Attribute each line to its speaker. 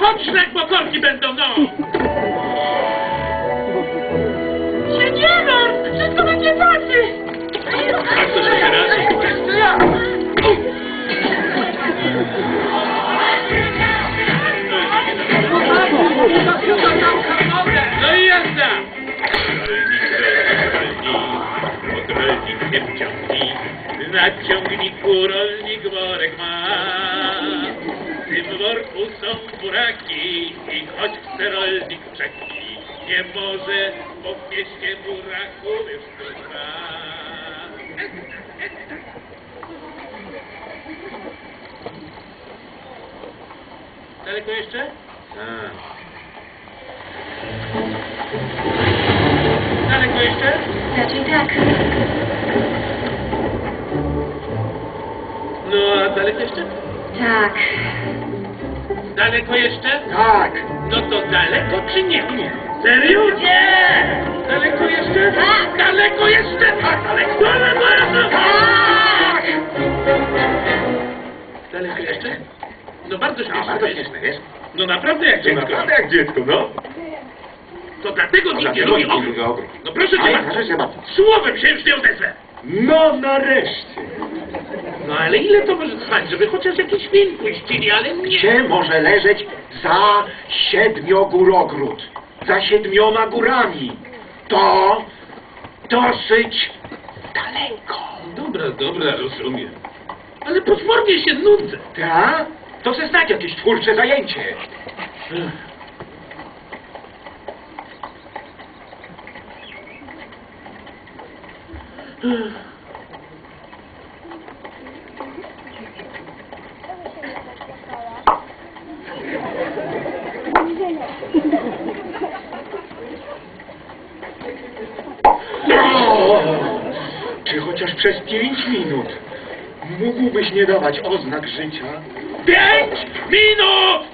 Speaker 1: chodź, szlak, bo korki będą, no!
Speaker 2: Się nie martw! Wszystko będzie tacy!
Speaker 1: A co się teraz?
Speaker 2: Jeszcze ja!
Speaker 1: No i jazda! Rolnik się wciągnij, na ciągniku rolnik worek ma. W tym worku są buraki i choć chce rolnik czeki, nie może, bo w mieście buraków już tu ma. Daleko jeszcze? Daleko jeszcze?
Speaker 2: Raczej tak.
Speaker 1: No, a daleko jeszcze?
Speaker 2: Tak.
Speaker 1: Daleko jeszcze?
Speaker 3: Tak.
Speaker 1: No to daleko czy nie? Nie. Serio? Nie! Daleko jeszcze?
Speaker 2: Tak.
Speaker 1: Daleko jeszcze? Tak, daleko. Daleko jeszcze?
Speaker 2: Tak!
Speaker 1: Daleko jeszcze? No bardzo śmieszne.
Speaker 3: Bardzo śmieszne, wiesz?
Speaker 1: No naprawdę jak dziecko.
Speaker 3: Naprawdę jak dziecko, no.
Speaker 1: To dlatego nikt nie lubi ogród. No proszę cię
Speaker 3: Ale
Speaker 1: bardzo.
Speaker 3: proszę cię bardzo.
Speaker 1: Słowem się już nie odezwę.
Speaker 3: No nareszcie.
Speaker 1: No ale ile to może trwać, żeby chociaż jakiś film puścili, ale nie.
Speaker 3: Gdzie może leżeć za 7-górogród? Za 7 górami. To dosyć daleko.
Speaker 1: Dobra, rozumiem. Ale potwornie się nudzę.
Speaker 3: Tak? To se znać jakieś twórcze zajęcie. Czy chociaż przez 5 minut mógłbyś nie dawać oznak życia?
Speaker 1: 5 minut!